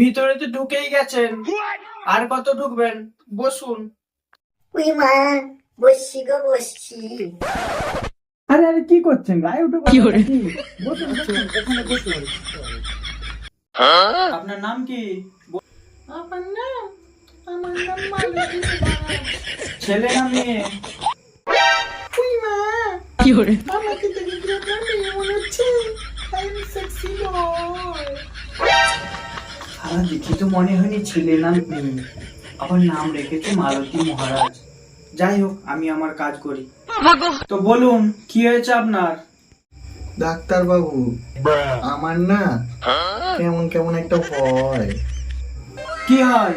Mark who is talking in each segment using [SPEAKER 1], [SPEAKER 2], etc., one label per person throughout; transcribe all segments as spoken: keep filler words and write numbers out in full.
[SPEAKER 1] ভিতরে তো ঢুকেই গেছেন, আর কত ঢুকবেন? বসুন।
[SPEAKER 2] ওই মা, বসছি গো বসছি।
[SPEAKER 1] আরে আরে কি করছেন? গায়ে উঠে কি করে? বসুন বসুন, এখানে বসুন। আপনার নাম কি?
[SPEAKER 2] আমার নাম আমার নাম মালতী।
[SPEAKER 1] ছেলে না মেয়ে?
[SPEAKER 2] ওই মা,
[SPEAKER 3] কি করে?
[SPEAKER 2] আমাকে দেখে কি আপনার মেয়ে মনে হচ্ছে? I am sexy boy.
[SPEAKER 1] সারা দেখি তো মনে হয়নি ছেলে না মেয়ে। আবার নাম রেখেছে মালতী মহারাজ। যাই হোক, আমি আমার কাজ করি। তো বলুন, কি হয়েছে আপনার?
[SPEAKER 4] ডাক্তার বাবু, আমার না কেমন কেমন একটা ভয়।
[SPEAKER 1] কি হয়?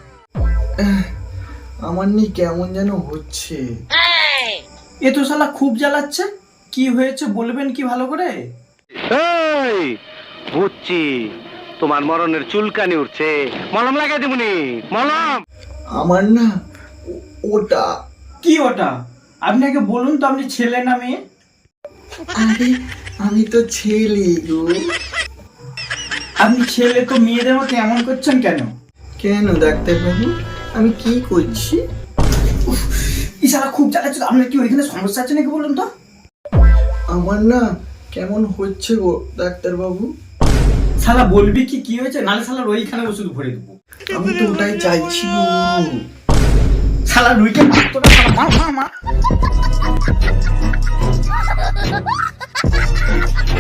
[SPEAKER 4] আমার নি কেমন যেন হচ্ছে।
[SPEAKER 1] এ তো শালা খুব জ্বালাচ্ছে। কি হয়েছে বলবেন কি ভালো করে?
[SPEAKER 5] এই বুঝছি, তোমার মরণের চুলকানি উঠছে, মলম লাগাই দিবনি। মলম
[SPEAKER 4] আমার না ও- ওটা
[SPEAKER 1] কি ওটা? আপনি আগে বলুন তো, আপনি ছেলে না মেয়ে?
[SPEAKER 4] আরে আমি তো ছেলে গো।
[SPEAKER 1] আপনি ছেলে তো মেয়েদের মতো এমন করছেন কেন?
[SPEAKER 4] কেন ডাক্তার বাবু, আমি কি করছি?
[SPEAKER 1] ই শালা খুব জ্বালাচ্ছে। আপনার কি ওইখানে সমস্যা আছে নাকি বলুন তো?
[SPEAKER 4] আমার না কেমন হচ্ছে গো ডাক্তার বাবু।
[SPEAKER 1] শালা বলবি কি কি হয়েছে, নালে শালার ওইখানে ওষুধ ভরে দেবো।
[SPEAKER 4] আমি তো ওটাই চাইছি গো।
[SPEAKER 1] শালা রুইকে মারতো না, শালা মা মা মা